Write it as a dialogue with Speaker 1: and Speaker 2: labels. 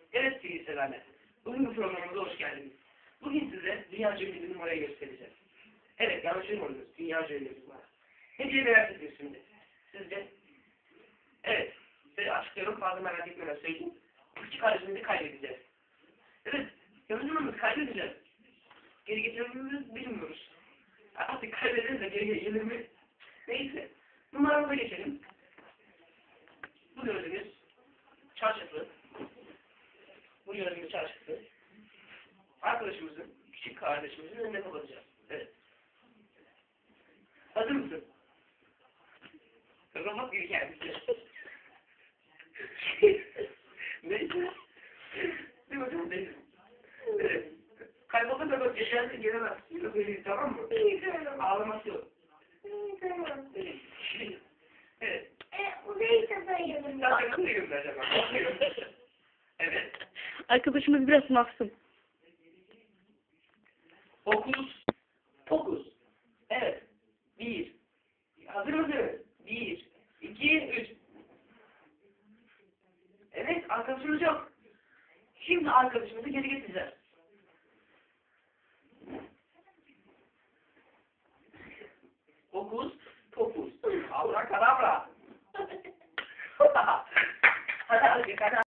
Speaker 1: Evet sevgili severler, bugün bu programımıza hoş geldiniz. Bugün size dünyaca ünlü bir numarayı göstereceğiz. Evet, yanlış duymadınız, dünyaca ünlü bir numara. Ne diye merak ediyorsunuz şimdi? Sizce? Evet, size açıklıyorum, fazla merak etmeden söyleyeyim. Küçük kardeşimizi kaybedeceğiz. Evet, yanıcımızı kaybedeceğiz. Geri getirmemizi bilmiyoruz. Artık kaybederiz de geri gelir mi? Neyse, numaramıza geçelim. Bu gördüğünüz çarşafı. Bu gördüğümüz çarşafı arkadaşımızın, küçük kardeşimizin önüne kapatacağız. Evet. Hazır mısın? Robot gibi geldi. Neyse. Değil mi? Neyse. Evet. Kaybolda da bak geçersin gelemez. Tamam mı? Ağlaması yok.
Speaker 2: Tamam.
Speaker 1: Evet.
Speaker 2: Uzayı sayıyorum.
Speaker 1: Daha yakın mıyım acaba? Evet.
Speaker 3: Arkadaşımız biraz mahzun.
Speaker 1: Fokus. Evet. 1. Hazır mısın? 1, 2, 3. Evet, arkadaşımız yok. Şimdi arkadaşımızı geri getireceğiz. Fokus. Abrakadabra. Hadi hadi.